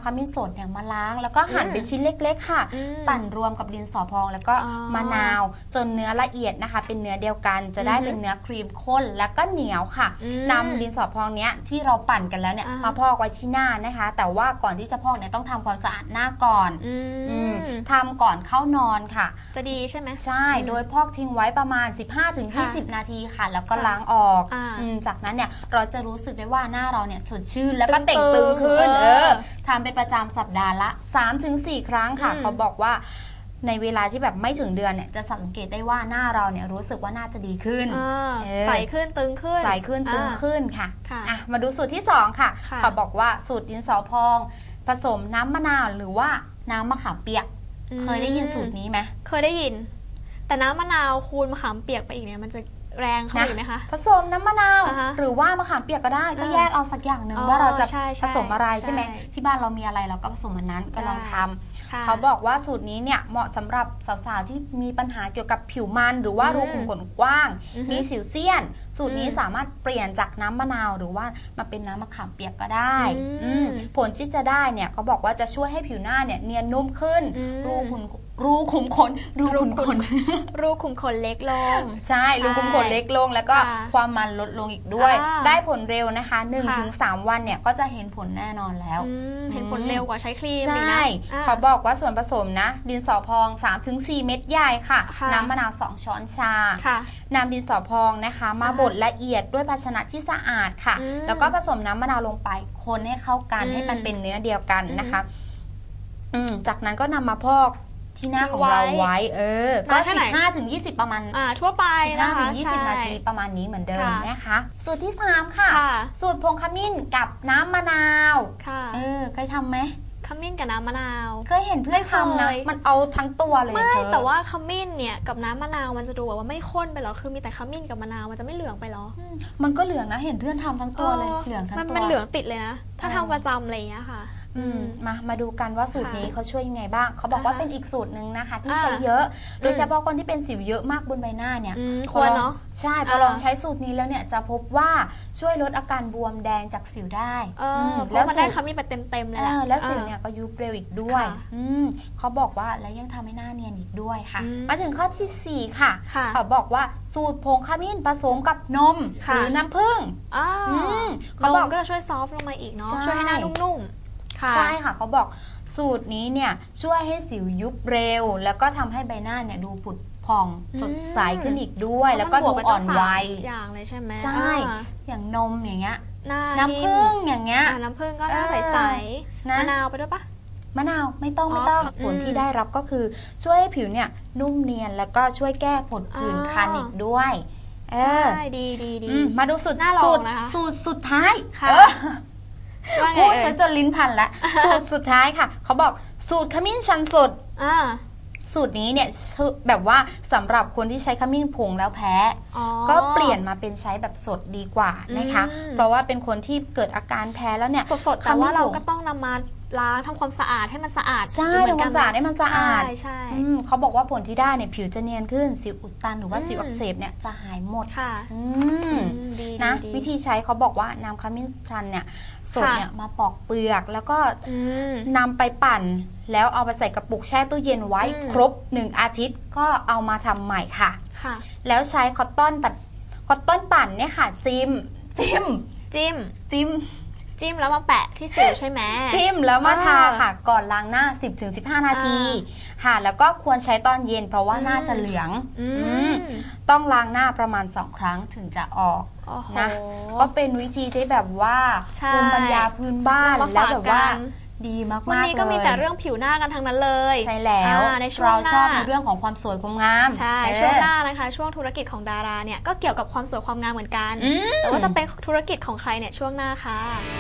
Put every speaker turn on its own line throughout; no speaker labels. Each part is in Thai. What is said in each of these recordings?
ขมิ้นสดเนี่ยมาล้างแล้วก็หั่นเป็นชิ้นเล็กๆค่ะปั่นรวมกับดินสอพองแล้วก็มะนาวจนเนื้อละเอียดนะคะเป็นเนื้อเดียวกันจะได้เป็นเนื้อครีมข้นแล้วก็เหนียวค่ะนำดินสอพองเนี้ยที่เราปั่นกันแล้วเนี่ยมาพอกไว้ที่หน้านะคะแต่ว่าก่อนที่จะพอกเนี่ยต้องทำความสะอาดหน้าก่อนทำก่อนเข้านอนค่ะ
จะดีใช่ไหม
ใช่โดยพอกทิ้งไว้ประมาณ 15-20 นาทีค่ะแล้วก็ล้างออกจากนั้นเนี่ยเราจะรู้สึกได้ว่าหน้าเราเนี่ยสดชื่นแล้วก็เต่งตึงขึ้นทำเป็นประจำสัปดาห์ละ 3-4 ครั้งค่ะเขาบอกว่าในเวลาที่แบบไม่ถึงเดือนเนี่ยจะสังเกตได้ว่าหน้าเราเนี่ยรู้สึกว่าน่าจะดีขึ้น
ใสขึ้นตึงขึ้น
ใสขึ้นตึงขึ้นค่ะมาดูสูตรที่2ค่ะเขาบอกว่าสูตรดินสอพองผสมน้ำมะนาวหรือว่าน้ำมะขามเปียกเคยได้ยินสูตรนี้ไหม
เคยได้ยินแต่น้ำมะนาวคูณมะขามเปียกไปอีกเนี่ยมันจะแรงเข้าไปไหมคะ
ผสมน้ำมะนาวหรือว่ามะขามเปียกก็ได้ก็แยกเอาสักอย่างหนึ่งว่าเราจะผสมอะไรใช่ไหมที่บ้านเรามีอะไรเราก็ผสมมันนั้นก็ลองทำเขาบอกว่าสูตรนี้เนี่ยเหมาะสำหรับสาวๆที่มีปัญหาเกี่ยวกับผิวมันหรือว่ารูขุมขนกว้างมีสิวเซียนสูตรนี้สามารถเปลี่ยนจากน้ำมะนาวหรือว่ามาเป็นน้ำมะขามเปียกก็ได้ผลที่จะได้เนี่ยเขาบอกว่าจะช่วยให้ผิวหน้าเนี่ยเนียนนุ่มขึ้นรูขุมขน
เล็กลง
ใช่รูขุมขนเล็กลงแล้วก็ความมันลดลงอีกด้วยได้ผลเร็วนะคะ 1-3 วันเนี่ยก็จะเห็นผลแน่นอนแล้ว
เห็นผลเร็วกว่าใช้ครีม
ใช่เขาบอกว่าส่วนผสมนะดินสอพอง 3-4 เม็ดใหญ่ค่ะน้ำมะนาว2 ช้อนชานำดินสอพองนะคะมาบดละเอียดด้วยภาชนะที่สะอาดค่ะแล้วก็ผสมน้ำมะนาวลงไปคนให้เข้ากันให้มันเป็นเนื้อเดียวกันนะคะจากนั้นก็นำมาพอกที่หน้าของเราไว้ก็ 15-20 ประมาณ
ทั่วไป
15-20 นาทีประมาณนี้เหมือนเดิมนะคะสูตรที่3ค่ะสูตรผงขมิ้นกับน้ำมะนาวเคยทำไหม
ขมิ้นกับน้ำมะนาว
เคยเห็นเพื่อนทำนะมันเอาทั้งตัวเลย
ไม่แต่ว่าขมิ้นเนี่ยกับน้ำมะนาวมันจะดูแบบว่าไม่ข้นไปหรอคือมีแต่ขมิ้นกับมะนาวมันจะไม่เหลืองไปหรอ
มันก็เหลืองนะเห็นเพื่อนทำทั้งตัวเลยเหลืองทั้งตัว
มันเหลืองติดเลยนะถ้าทำประจำอะไรอย่างเงี้ยค่ะ
มาดูกันว่าสูตรนี้เขาช่วยยังไงบ้างเขาบอกว่าเป็นอีกสูตรหนึ่งนะคะที่ใช้เยอะโดยเฉพาะคนที่เป็นสิวเยอะมากบนใบหน้าเนี่ย
ควรเนาะ
ใช่พอลองใช้สูตรนี้แล้วเนี่ยจะพบว่าช่วยลดอาการบวมแดงจากสิวได้
แล้วมันได้ขมิ้นไปเต็มๆเลยแหละ
แล้วสิวเนี่ยก็ยุบเร็วอีกด้วยเขาบอกว่าแล้วยังทำให้หน้าเนียนอีกด้วยค่ะมาถึงข้อที่4ค่ะเขาบอกว่าสูตรผงขมิ้นผสมกับนมหรือน้ำผึ้ง
เขาบอกก็ช่วยซอฟต์ลงมาอีกเนาะช่วยให้หน้านุ่ม
ใช่ค่ะเขาบอกสูตรนี้เนี่ยช่วยให้สิวยุบเร็วแล้วก็ทำให้ใบหน้าเนี่ยดูผุดผ่องสดใสขึ้นอีกด้วยแล้วก็ดูอ่อนวัย
อย่างเลยใช่ไหม
ใช่อย่างนมอย่างเงี้ยน้ำผึ้งอย่างเงี้ย
น้ำผึ้งก็หน้าใสๆมะนาวไปด้วยปะ
มะนาวไม่ต้องผลที่ได้รับก็คือช่วยให้ผิวเนี่ยนุ่มเนียนแล้วก็ช่วยแก้ผดผื่นคันอีกด้วย
ใช่ดี
มาดูสูตรสุดท้ายพูดซะจนลิ้นพันละสูตรสุดท้ายค่ะเขาบอกสูตรขมิ้นชันสดสูตรนี้เนี่ยแบบว่าสำหรับคนที่ใช้ขมิ้นผงแล้วแพ้ก็เปลี่ยนมาเป็นใช้แบบสดดีกว่านะคะเพราะว่าเป็นคนที่เกิดอาการแพ้แล้วเนี่ย
สดๆแต่ว่าเราก็ต้องนำมาล้างทำความสะอาดให้มันสะอาด
ใช่ทำความสะอาดให้มันสะอาดใช่เขาบอกว่าผลที่ได้เนี่ยผิวจะเนียนขึ้นสิวอุดตันหรือว่าสิวอักเสบเนี่ยจะหายหมดนะวิธีใช้เขาบอกว่าน้ำขมิ้นชันเนี่ยสดเนี่ยมาปอกเปลือกแล้วก็นำไปปั่นแล้วเอาไปใส่กระปุกแช่ตู้เย็นไว้ครบ1 อาทิตย์ก็เอามาทำใหม่ค่ะแล้วใช้คอตตอนปั่นเนี่ยค่ะ
จิ้มแล้วมาแปะที่สิวใช่ไหม
จิ้มแล้วมาทาค่ะก่อนล้างหน้า 10-15 นาทีค่ะแล้วก็ควรใช้ตอนเย็นเพราะว่าหน้าจะเหลืองต้องล้างหน้าประมาณ2 ครั้งถึงจะออกนะก็เป็นวิธีที่แบบว่าภูมิปัญญาพื้นบ้านแล้วแบบว่าดีมากๆเลย
วันนี้ก็มีแต่เรื่องผิวหน้ากันทั้งนั้นเลย
ใช่แล้วเราชอบในเรื่องของความสวยความงาม
ใช่ช่วงหน้านะคะช่วงธุรกิจของดาราเนี่ยก็เกี่ยวกับความสวยความงามเหมือนกันแต่ว่าจะเป็นธุรกิจของใครเนี่ยช่วงหน้าค่ะ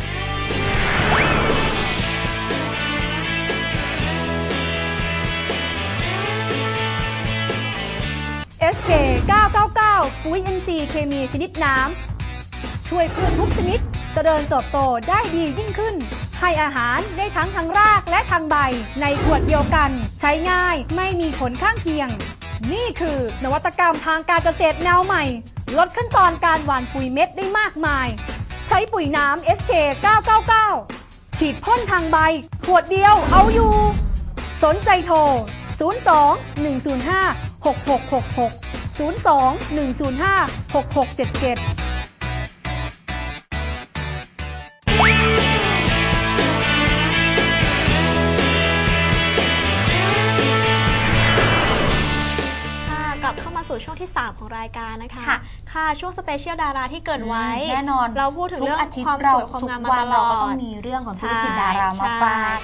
SK 999ปุ๋ย NC เคมีชนิดน้ำช่วยพืชทุกชนิดเจริญเติบโตได้ดียิ่งขึ้นให้อาหารได้ทั้งทางรากและทางใบในขวดเดียวกันใช้ง่ายไม่มีผลข้างเคียงนี่คือนวัตกรรมทางการเกษตรแนวใหม่ลดขั้นตอนการหว่านปุ๋ยเม็ดได้มากมายใช้ปุ๋ยน้ำ SK 999 ฉีดพ่นทางใบขวดเดียวเอาอยู่สนใจโทร02-105-6666 02-105-6677
สู่ช่วงที่ 3 ของรายการนะคะค่ะช่วงสเปเชียลดาราที่เกิดไว้
แน่นอน
เราพูดถึงเรื่องความสวยความงามมาตลอด
เราก็ต้องมีเรื่องของธุรกิจดารามาฝาก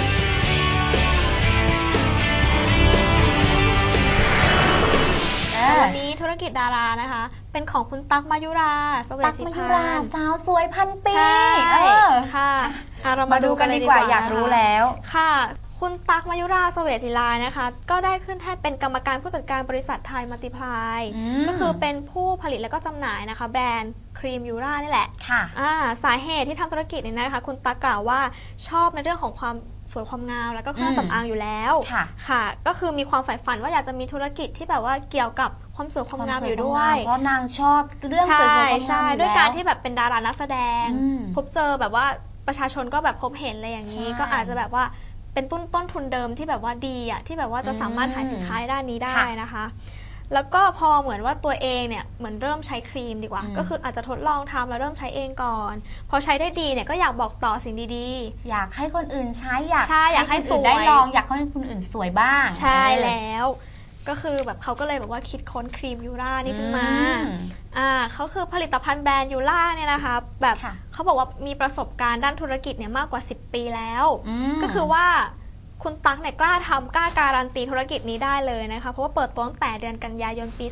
วันนี้ธุรกิจดารานะคะเป็นของคุณตั๊กมายุราเสวตสิพันธ์
สาวสวยพันปี
ค่ะ
เรามาดูกันดีกว่าอยากรู้แล้ว
ค่ะคุณตั๊กมายุราเสวตศิลานะคะก็ได้ขึ้นให้เป็นกรรมการผู้จัดการบริษัทไทยมัลติพลายก็คือเป็นผู้ผลิตและก็จำหน่ายนะคะแบรนด์ครีมยูรานี่แหละ
ค่ะ
สาเหตุที่ทำธุรกิจนี้นะคะคุณตั๊กกล่าวว่าชอบในเรื่องของความสวยความงามแล้วก็เครื่องสำอางอยู่แล้วค่ะก็คือมีความใฝ่ฝันว่าอยากจะมีธุรกิจที่แบบว่าเกี่ยวกับความสวยความงามอยู่ด้วย
เพราะนางชอบเรื่องสวยความงาม
ใช่ด้วยการที่แบบเป็นดารานักแสดงพบเจอแบบว่าประชาชนก็แบบพบเห็นอะไรอย่างนี้ก็อาจจะแบบว่าเป็นต้นทุนเดิมที่แบบว่าดีอ่ะที่แบบว่าจะสามารถขายสินค้าในด้านนี้ได้นะคะแล้วก็พอเหมือนว่าตัวเองเนี่ยเหมือนเริ่มใช้ครีมดีกว่าก็คืออาจจะทดลองทำแล้วเริ่มใช้เองก่อนพอใช้ได้ดีเนี่ยก็อยากบอกต่อสิ่งดี
ๆอยากให้คนอื่นใช้อยากให้
สวย
ได้ลองอยากให้คนอื่นสวยบ้าง
ใช่แล้วก็คือแบบเขาก็เลยแบบว่าคิดค้นครีมยูรานี่ขึ้นมาเขาคือผลิตภัณฑ์แบรนด์ยูราเนี่ยนะคะแบบเขาบอกว่ามีประสบการณ์ด้านธุรกิจเนี่ยมากกว่า10 ปีแล้วก็คือว่าคุณตั๊กเนี่ยกล้าทำกล้าการันตีธุรกิจนี้ได้เลยนะคะเพราะว่าเปิดตัวตั้งแต่เดือนกันยายนปี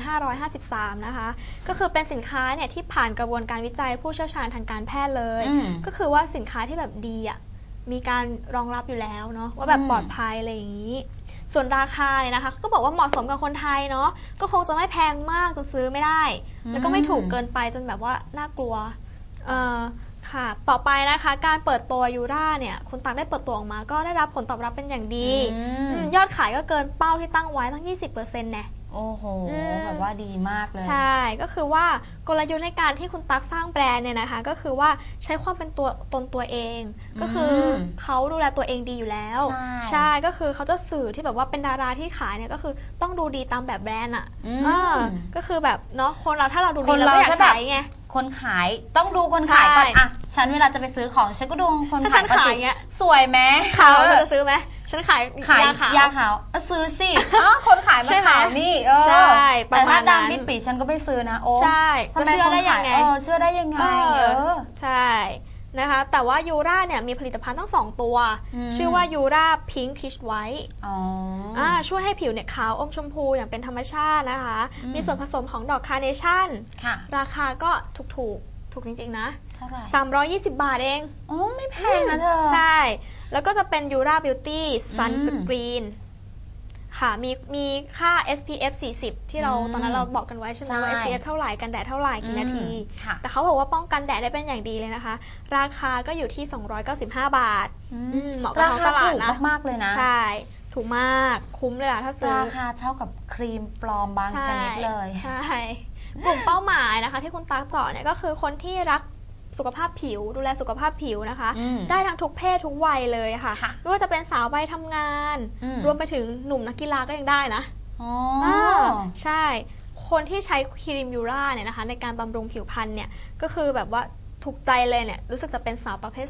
2553 นะคะก็คือเป็นสินค้าเนี่ยที่ผ่านกระบวนการวิจัยผู้เชี่ยวชาญทางการแพทย์เลยก็คือว่าสินค้าที่แบบดีอ่ะมีการรองรับอยู่แล้วเนาะว่าแบบปลอดภัยอะไรอย่างนี้ส่วนราคาเนี่ยนะคะก็บอกว่าเหมาะสมกับคนไทยเนาะก็คงจะไม่แพงมากจนซื้อไม่ได้แล้วก็ไม่ถูกเกินไปจนแบบว่าน่ากลัวค่ะต่อไปนะคะการเปิดตัวยูราเนี่ยคุณตั๊กได้เปิดตัวออกมาก็ได้รับผลตอบรับเป็นอย่างดียอดขายก็เกินเป้าที่ตั้งไว้ตั้ง 20% เนี่ย
โอ้โหแบบว่าดีมากเลย
ใช่ก็คือว่ากลยุทธ์ในการที่คุณตั๊กสร้างแบรนด์เนี่ยนะคะก็คือว่าใช้ความเป็นตัวเองก็คือเขาดูแลตัวเองดีอยู่แล้วใช่ก็คือเขาจะสื่อที่แบบว่าเป็นดาราที่ขายเนี่ยก็คือต้องดูดีตามแบบแบรนด์อ่ะก็คือแบบเนาะคนเราถ้าเราดูดีเราก็อยากใช้ไง
คนขายต้องดูคนขายก่อนอ่ะฉันเวลาจะไปซื้อของฉันก็ดูคนขายก่อนสิสวยไหม
เขาจะซื้อไหมฉันขาย
ยาขาวซื้อสิคนขายมาขาวนี่
ใช่
แต่ถ้าดำปิดปีฉันก็ไม่ซื้อนะโอ้
ใช่
ทำไมคนขายเชื่อได้ยังไง
ใช่นะคะแต่ว่ายูราเนี่ยมีผลิตภัณฑ์ทั้ง2ตัวชื่อว่ายูราพิงค์พีชไวท์ช่วยให้ผิวเนี่ยขาวอมชมพูอย่างเป็นธรรมชาตินะคะมีส่วนผสมของดอกคาร์เนชั่นราคาก็ถูกจริงๆนะ
เท่าไหร่
320 บาทเอง
ไม่แพงนะเธอ
ใช่แล้วก็จะเป็นยูราบิวตี้ซันสกรีนค่ะมีค่า SPF 40 ที่เราตอนนั้นเราบอกกันไว้ใช่ไหมว่า SPF เท่าไหร่กันแดดเท่าไหร่กี่นาทีแต่เขาบอกว่าป้องกันแดดได้เป็นอย่างดีเลยนะคะราคาก็อยู่ที่295 บาทเหมาะกับท้องตลาดนะ
มากเลยนะ
ใช่ถูกมากคุ้มเลยล่ะถ้าซื้อ
ราคาเท่ากับครีมปลอมบางชนิดเลย
ใช่กลุ่มเป้าหมายนะคะที่คุณตั๊กเจาะเนี่ยก็คือคนที่รักสุขภาพผิวดูแลสุขภาพผิวนะคะได้ทั้งทุกเพศทุกวัยเลยค่ะไม่ว่าจะเป็นสาววัยทำงานรวมไปถึงหนุ่มนักกีฬาก็ยังได้นะใช่คนที่ใช้ครีมยูราเนี่ยนะคะในการบำรุงผิวพรรณเนี่ยก็คือแบบว่าถูกใจเลยเนี่ยรู้สึกจะเป็นสาวประเภท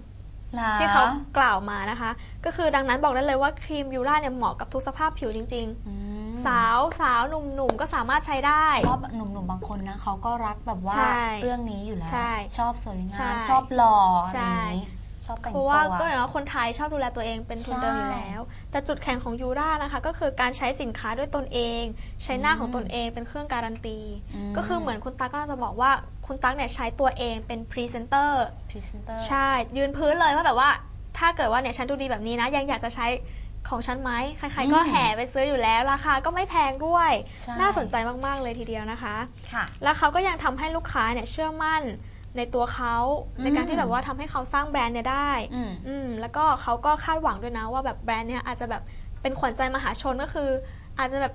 2ที่เขากล่าวมานะคะก็คือดังนั้นบอกได้เลยว่าครีมยูราเนี่ยเหมาะกับทุกสภาพผิวจริงๆสาวหนุ่มก็สามารถใช้ได้
เพราะหนุ่มบางคนนะเขาก็รักแบบว่าเรื่องนี้อยู่แล้วชอบสวยงามชอบหล่ออะไรนี้ชอบแต่งตัว
เพราะว่าก็อย่างว่าคนไทยชอบดูแลตัวเองเป็นทุนเดิมอยู่แล้วแต่จุดแข็งของยูรานะคะก็คือการใช้สินค้าด้วยตนเองใช้หน้าของตนเองเป็นเครื่องการันตีก็คือเหมือนคุณตั๊กก็น่าจะบอกว่าคุณตั๊กเนี่ยใช้ตัวเองเป็นพรีเซนเตอร์ใช่ยืนพื้นเลยว่าแบบว่าถ้าเกิดว่าเนี่ยฉันดูดีแบบนี้นะยังอยากจะใช้ของฉันไหมใครๆก็แห่ไปซื้ออยู่แล้วราคาก็ไม่แพงด้วยน่าสนใจมากๆเลยทีเดียวนะคะแล้วเขาก็ยังทำให้ลูกค้าเนี่ยเชื่อมั่นในตัวเขาในการที่แบบว่าทำให้เขาสร้างแบรนด์เนี่ยได้แล้วก็เขาก็คาดหวังด้วยนะว่าแบบแบรนด์เนี่ยอาจจะแบบเป็นขวัญใจมหาชนก็คืออาจจะแบบ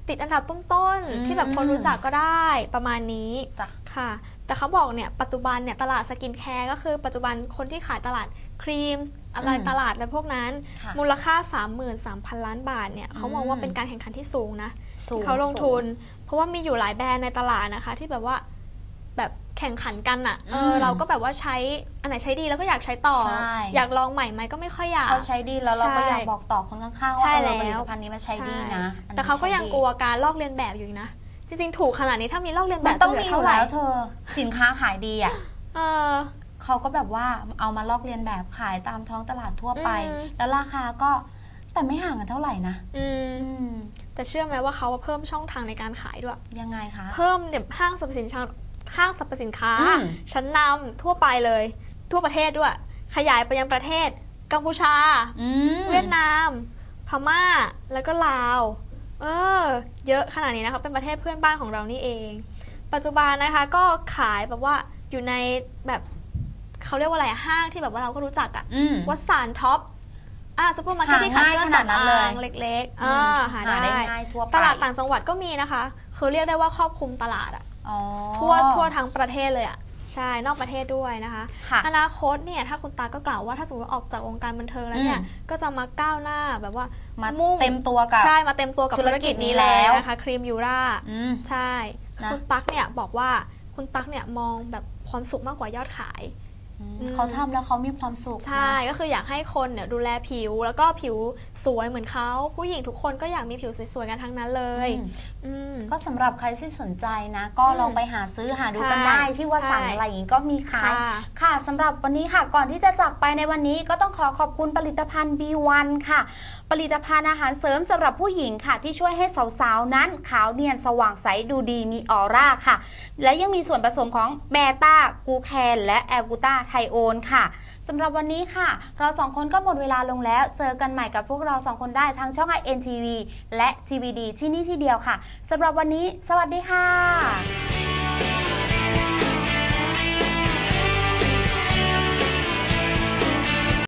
ติดอันดับต้นๆที่แบบคนรู้จักก็ได้ประมาณนี้ค่ะแต่เขาบอกเนี่ยปัจจุบันเนี่ยตลาดสกินแคร์ก็คือปัจจุบันคนที่ขายตลาดครีมอะไรตลาดและพวกนั้นมูลค่า 33,000 ล้านบาทเนี่ยเขามองว่าเป็นการแข่งขันที่สูงนะที่เขาลงทุนเพราะว่ามีอยู่หลายแบรนด์ในตลาดนะคะที่แบบว่าแบบแข่งขันกันอ่ะเราก็แบบว่าใช้อันไหนใช้ดีแล้วก็อยากใช้ต่ออยากลองใหม่ไหมก็ไม่ค่อยอยาก
เขาใช้ดีแล้วเราก็อยากบอกต่อคนข้างๆว่าผลิตภัณฑ์นี้มันใช้ดีนะ
แต่เขาก็ยังกลัวการลอกเลียนแบบอยู่นะจริงๆถูกขนาดนี้ถ้ามีลอกเลียนแบบ
ต้องมีอยู่แล้วเธอสินค้าขายดีอ่ะเขาก็แบบว่าเอามาลอกเลียนแบบขายตามท้องตลาดทั่วไปแล้วราคาก็แต่ไม่ห่างกันเท่าไหร่นะ
แต่เชื่อไหมว่าเขาเพิ่มช่องทางในการขายด้วย
ยังไงคะ
เพิ่มเนี่ยห้างสรรพสินค้าชั้นนำทั่วไปเลยทั่วประเทศด้วยขยายไปยังประเทศกัมพูชาเวียดนามพม่าแล้วก็ลาวเยอะขนาดนี้นะคะเป็นประเทศเพื่อนบ้านของเรานี่เองปัจจุบันนะคะก็ขายแบบว่าอยู่ในแบบเขาเรียกว่าอะไรห้างที่แบบว่าเราก็รู้จักอะวัดสารท็อปซุปเปอร์มาร์เก็ตที่ขายเครื่องสำอางเล็กๆหาได้ตลาดต่างจังหวัดก็มีนะคะคือเรียกได้ว่าครอบคลุมตลาดอะทั่วทั้งประเทศเลยอะใช่นอกประเทศด้วยนะคะอนาคตเนี่ยถ้าคุณตาก็กล่าวว่าถ้าสมมติว่าออกจากวงการบันเทิงแล้วเนี่ยก็จะมาก้าวหน้าแบบว่า
มุ่งเต็มตัวกับ
ใช่มาเต็มตัวกับธุรกิจนี้แล้วนะคะครีมยูราใช่คุณตั๊กเนี่ยบอกว่าคุณตั๊กเนี่ยมองแบบความสุขมากกว่ายอดขาย
เขาทำแล้วเขามีความสุข
ใช่ก็คืออยากให้คนเนี่ยดูแลผิวแล้วก็ผิวสวยเหมือนเขาผู้หญิงทุกคนก็อยากมีผิวสวยๆกันทั้งนั้นเลย
ก็สำหรับใครที่สนใจนะก็ลองไปหาซื้อหาดูกันได้ที่ว่าสั่งอะไรอย่างนี้ก็มีขายค่ะสำหรับวันนี้ค่ะก่อนที่จะจากไปในวันนี้ก็ต้องขอบคุณผลิตภัณฑ์ B1 ค่ะผลิตภัณฑ์อาหารเสริมสำหรับผู้หญิงค่ะที่ช่วยให้สาวๆนั้นขาวเนียนสว่างใสดูดีมีออร่าค่ะและยังมีส่วนผสมของเบต้ากูแคนและแอลกูต้าไทโอนค่ะสำหรับวันนี้ค่ะเราสองคนก็หมดเวลาลงแล้วเจอกันใหม่กับพวกเราสองคนได้ทางช่อง INTV และ TVD ที่นี่ที่เดียวค่ะสำหรับวันนี้สวัสดีค่ะ